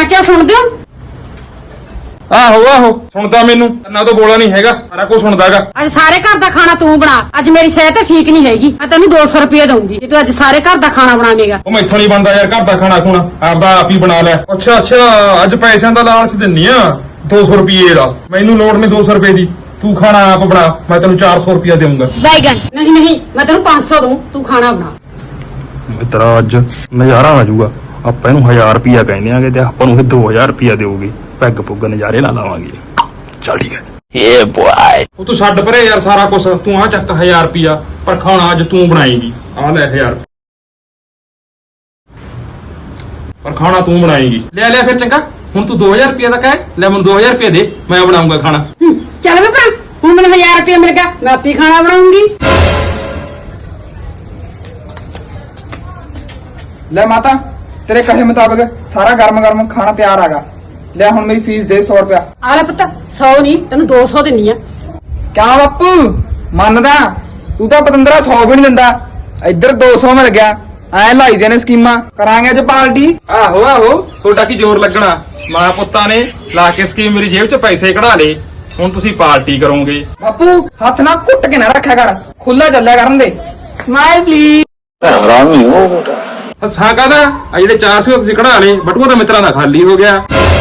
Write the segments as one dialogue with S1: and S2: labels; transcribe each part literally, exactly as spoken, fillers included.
S1: ਮੈਂ ਕਿਹਾ ਸੁਣਦੇ ਹੋ?
S2: ਆਹੋ ਆਹੋ ਸੁਣਦਾ ਮੈਨੂੰ ਨਾ ਤਾਂ ਬੋਲਾ ਨਹੀਂ ਹੈਗਾ ਸਾਰਾ ਕੁਝ ਸੁਣਦਾਗਾ।
S1: ਅੱਜ ਸਾਰੇ ਘਰ ਦਾ ਖਾਣਾ ਤੂੰ ਬਣਾ। ਅੱਜ ਮੇਰੀ ਸਿਹਤ ਠੀਕ ਨਹੀਂ ਹੈਗੀ। ਮੈਂ ਤੈਨੂੰ ਦੋ ਸੌ ਰੁਪਏ ਦਊਂਗੀ ਜੇ ਤੂੰ ਅੱਜ ਸਾਰੇ ਘਰ ਦਾ ਖਾਣਾ ਬਣਾਵੇਂਗਾ।
S2: ਉਹ ਮੈਥੋਂ ਨਹੀਂ ਬਣਦਾ ਯਾਰ ਘਰ ਦਾ ਖਾਣਾ ਖੂਣਾ, ਆਪਦਾ ਆਪ ਹੀ ਬਣਾ ਲੈ। ਅੱਛਾ ਅੱਛਾ ਅੱਜ ਪੈਸਿਆਂ ਦਾ ਲਾਲਚ ਦਿੰਨੀ ਆ ਦੋ ਸੌ ਰੁਪਏ ਦਾ। ਮੈਨੂੰ ਲੋੜ ਨਹੀਂ ਦੋ ਸੌ ਰੁਪਏ ਦੀ, ਤੂੰ ਖਾਣਾ ਆਪ ਬਣਾ। ਮੈਂ ਤੈਨੂੰ ਚਾਰ ਸੌ ਰੁਪਇਆ ਦੇਊਂਗਾ।
S1: ਬੈਗਨ ਨਹੀਂ ਨਹੀਂ, ਮੈਂ ਤੈਨੂੰ ਪੰਜ ਸੌ ਦਊਂ, ਤੂੰ ਖਾਣਾ ਬਣਾ।
S2: ਮਿੱਤਰਾ ਅੱਜ ਨਜ਼ਾਰਾ ਆ ਜਾਊਗਾ। ਆਪਾਂ ਇਹਨੂੰ ਹਜ਼ਾਰ ਰੁਪਇਆ ਕਹਿੰਦੇ ਆਂਗੇ ਤੇ ਆਪਾਂ ਨੂੰ ਇਹ ਦੋ ਹਜ਼ਾਰ ਰੁਪਇਆ ਦੇਊਗੀ। ਪੈਗ ਪੁੱਗ ਨਜ਼ਾਰੇ ਲਾ ਲਾਵਾਂਗੇ। ਚੱਲ ਠੀਕ ਹੈ ਏ ਬੁਆਏ। ਉਹ ਤੂੰ ਛੱਡ ਪਰੇ ਯਾਰ ਸਾਰਾ ਕੁਛ, ਤੂੰ ਆ ਚੱਕ ਹਜ਼ਾਰ ਰੁਪਇਆ ਪਰ ਖਾਣਾ ਅੱਜ ਤੂੰ ਬਣਾਏਗੀ। ਆ ਲੈ ਹਜ਼ਾਰ ਪਰ ਖਾਣਾ ਤੂੰ ਬਣਾਏਗੀ। ਲੈ ਲੈ ਫਿਰ ਚੰਗਾ, ਹੁਣ ਤੂੰ ਦੋ ਹਜ਼ਾਰ ਰੁਪਇਆ ਦਾ ਕਹਿ ਲੈ, ਮੈਨੂੰ ਦੋ ਹਜ਼ਾਰ ਰੁਪਇਆ ਦੇ, ਮੈਂ ਬਣਾਉਂਗਾ ਖਾਣਾ।
S1: ਚੱਲ ਵੇ ਭਰਾ, ਹੁਣ ਮੈਨੂੰ ਹਜ਼ਾਰ ਰੁਪਇਆ ਮਿਲ ਗਿਆ, ਮੈਂ ਆਪੇ ਖਾਣਾ ਬਣਾਉਂਗੀ।
S3: ਲੈ ਮਾਤਾ, तेरे कहे मुताबिक सारा गर्म गर्म खाना तैयार आगा। ले हुण मेरी फीस दे सौ रुपया।
S1: ਆ ਲੈ ਪੁੱਤ, सौ नहीं तेन दो सौ दिनी आ।
S3: क्या बापू मनदा तू तो पतंदरा सौ भी नहीं दिंदा, इधर दो सौ मिल गया। ऐ लाई देने स्कीमां करांगे अज पार्टी।
S2: आहो आहो थोड़ा की जोर लगना, मां पुत्ता ने ला के स्कीम मेरी जेब च पैसे कढ़ा ले। हुण तुसीं पार्टी करोगे।
S3: बापू हाथ ना घुट के ना रखा कर, खुला चलिया करन दे। Smile please.
S4: हरामी हो बेटा।
S2: हसा कादा आ जेडे चार सौ तुसीं कढ़ा ले, बटूआ तो मित्रा दा खाली हो गया।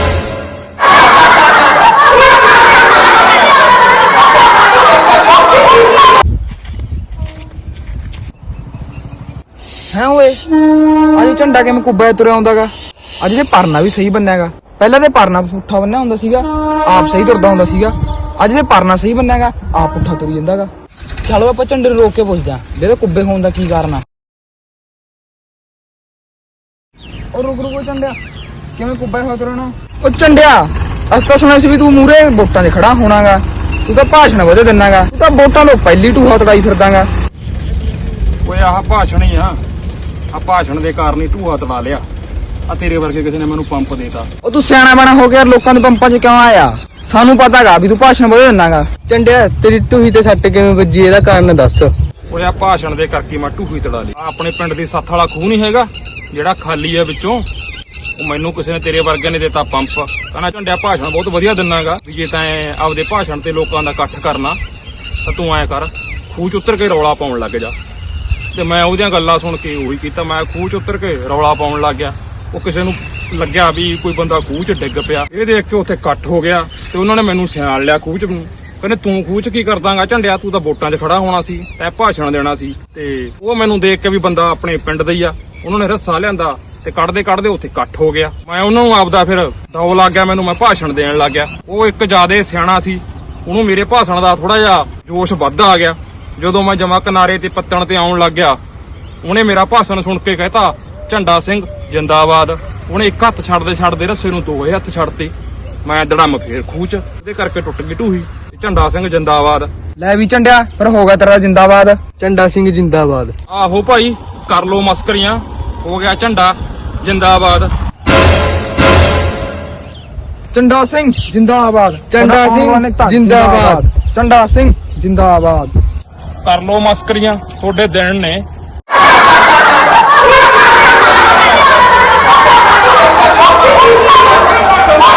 S3: है ओए अज झंडा किवें कुब्बा तुरया आउंदागा। अज ते परना भी सही बन्नेगा। पहले ते परना पुट्ठा बन्निया हुंदा सीगा, आप सही तुरदा हुंदा सीगा। अज ते परना सही बन्नेगा, आप पुट्ठा तुरी जांदागा। चलो आपां झंडे नूं रोक के पुछदे आं भी इहदे कुब्बे होण दा की कारण आ। और रुक रुक झंडिया किवें कुब्बा होया तुरना। ओ झंडिया अस तां सुणिया सी भी तू मूहरे वोटां 'ਚ खड़ा होणागा, तू तां भाषण वधे दिन्नागा, तू तां वोटां ਤੋਂ ਪਹਿਲੀ ਟੂਹਾ ਤੜਾਈ ਫਿਰਦਾਗਾ।
S2: ਓਏ ਆਹ ਭਾਸ਼ਣ ਹੀ ਆ, ਆ ਭਾਸ਼ਣ ਦੇ ਕਾਰਨ ਹੀ ਢੂਆ ਤੜਾ ਲਿਆ। ਆ ਤੇਰੇ ਵਰਗੇ ਕਿਸੇ ਨੇ ਮੈਨੂੰ ਪੰਪ ਦੇਤਾ।
S3: ਉਹ ਤੂੰ ਸਿਆਣਾ ਬਣਾ ਹੋ ਗਿਆ, ਲੋਕਾਂ ਦੇ ਪੰਪਾਂ 'ਚ ਕਿਉਂ ਆਇਆ? ਸਾਨੂੰ ਪਤਾਗਾ ਵੀ ਤੂੰ ਭਾਸ਼ਣ ਵਧੇ ਦਿੰਨਾਗਾ। ਝੰਡਿਆ ਤੇਰੀ ਟੂਹੀ ਤੇ ਸੱਟ ਕਿਵੇਂ ਵੱਜੀ, ਇਹਦਾ ਕਾਰਨ ਦੱਸ।
S2: ਓਏ ਆ ਭਾਸ਼ਣ ਦੇ ਕਰਕੇ ਮੈਂ ਢੂਹੀ ਤੜਾ ਲਈ। ਆ ਆਪਣੇ ਪਿੰਡ ਦੀ ਸੱਥ ਵਾਲਾ ਖੂਹ ਨਹੀਂ ਹੈਗਾ ਜਿਹੜਾ ਖਾਲੀ ਆ ਵਿੱਚੋਂ, ਉਹ ਮੈਨੂੰ ਕਿਸੇ ਨੇ ਤੇਰੇ ਵਰਗੇ ਨੇ ਦਿੱਤਾ ਪੰਪ। ਕਹਿੰਦਾ ਝੰਡਿਆ ਭਾਸ਼ਣ ਬਹੁਤ ਵਧੀਆ ਦਿੰਨਾਗਾ, ਵੀ ਜੇ ਤਾਂ ਆਪਦੇ ਭਾਸ਼ਣ ਤੇ ਲੋਕਾਂ ਦਾ ਇਕੱਠ ਕਰਨਾ ਤਾਂ ਤੂੰ ਐ ਕਰ, ਖੂਹ 'ਚ ਉਤਰ ਕੇ ਰੌਲਾ ਪਾਉਣ ਲੱਗ ਜਾ। ਤੇ ਮੈਂ ਉਹਦੀਆਂ ਗੱਲਾਂ ਸੁਣ ਕੇ ਉਹੀ ਕੀਤਾ, ਮੈਂ ਖੂਹ 'ਚ ਉਤਰ ਕੇ ਰੌਲਾ ਪਾਉਣ ਲੱਗ ਗਿਆ। ਉਹ ਕਿਸੇ ਨੂੰ ਲੱਗਿਆ ਵੀ ਕੋਈ ਬੰਦਾ ਖੂਹ 'ਚ ਡਿੱਗ ਪਿਆ, ਇਹ ਦੇਖ ਕੇ ਉੱਥੇ ਇਕੱਠ ਹੋ ਗਿਆ ਤੇ ਉਹਨਾਂ ਨੇ ਮੈਨੂੰ ਸਿਆਣ ਲਿਆ ਖੂਹ 'ਚ। ਕਹਿੰਦੇ ਤੂੰ ਖੂਹ 'ਚ ਕੀ ਕਰਦਾਂਗਾ ਝੰਡਿਆ, ਤੂੰ ਤਾਂ ਵੋਟਾਂ 'ਚ ਖੜਾ ਹੋਣਾ ਸੀ, ਤੈਂ ਭਾਸ਼ਣ ਦੇਣਾ ਸੀ। ਤੇ ਉਹ ਮੈਨੂੰ ਦੇਖ ਕੇ ਵੀ ਬੰਦਾ ਆਪਣੇ ਪਿੰਡ ਦਾ ਹੀ ਆ, ਉਹਨਾਂ ਨੇ ਰੱਸਾ ਲਿਆਂਦਾ ਤੇ ਕੱਢਦੇ ਕੱਢਦੇ ਉੱਥੇ ਇਕੱਠ ਹੋ ਗਿਆ। ਮੈਂ ਉਹਨਾਂ ਨੂੰ ਆਪਦਾ ਫਿਰ ਦੌ ਲੱਗ ਗਿਆ, ਮੈਨੂੰ ਮੈਂ ਭਾਸ਼ਣ ਦੇਣ ਲੱਗ ਗਿਆ। ਉਹ ਇੱਕ ਜ਼ਿਆਦੇ ਸਿਆਣਾ ਸੀ, ਉਹਨੂੰ ਮੇਰੇ ਭਾਸ਼ਣ ਦਾ ਥੋੜਾ ਜਿਹਾ ਜੋਸ਼ ਵੱਧ ਆ ਗਿਆ। ਜਦੋਂ ਮੈਂ ਜਮਾ ਕਿਨਾਰੇ ਤੇ ਪੱਤਣ ਤੇ ਆਉਣ ਲੱਗ ਗਿਆ, ਉਹਨੇ ਮੇਰਾ ਭਾਸ਼ਣ ਸੁਣ ਕੇ ਕਹਿਤਾ ਝੰਡਾ ਸਿੰਘ ਜਿੰਦਾਬਾਦ। ਉਹਨੇ ਇੱਕ ਹੱਥ ਛੱਡਦੇ ਛੱਡਦੇ ਰੱਸੇ ਨੂੰ ਦੋਏ ਹੱਥ ਛੱਡਤੇ। ਮੈਂ ਦੜਮ ਫੇਰ ਖੂਹ 'ਚ, ਉਹਦੇ ਕਰਕੇ ਟੁੱਟ ਗਈ ਢੂਹੀ। ਝੰਡਾ ਸਿੰਘ ਜਿੰਦਾਬਾਦ।
S3: ਲੈ ਵੀ ਝੰਡਿਆ ਫਿਰ ਹੋ ਗਿਆ ਤੇਰਾ ਜਿੰਦਾਬਾਦ। ਝੰਡਾ ਸਿੰਘ ਜਿੰਦਾਬਾਦ।
S2: ਆਹੋ ਭਾਈ ਕਰ ਲੋ ਮਸਕਰੀਆਂ, ਹੋ ਗਿਆ ਝੰਡਾ ਜਿੰਦਾਬਾਦ।
S3: ਝੰਡਾ ਸਿੰਘ ਜਿੰਦਾਬਾਦ। ਝੰਡਾ ਸਿੰਘ ਜਿੰਦਾਬਾਦ। ਝੰਡਾ ਸਿੰਘ ਜਿੰਦਾਬਾਦ।
S2: ਕਰ ਲੋ ਮਸਕਰੀਆਂ, ਤੁਹਾਡੇ ਦਿਨ ਨੇ।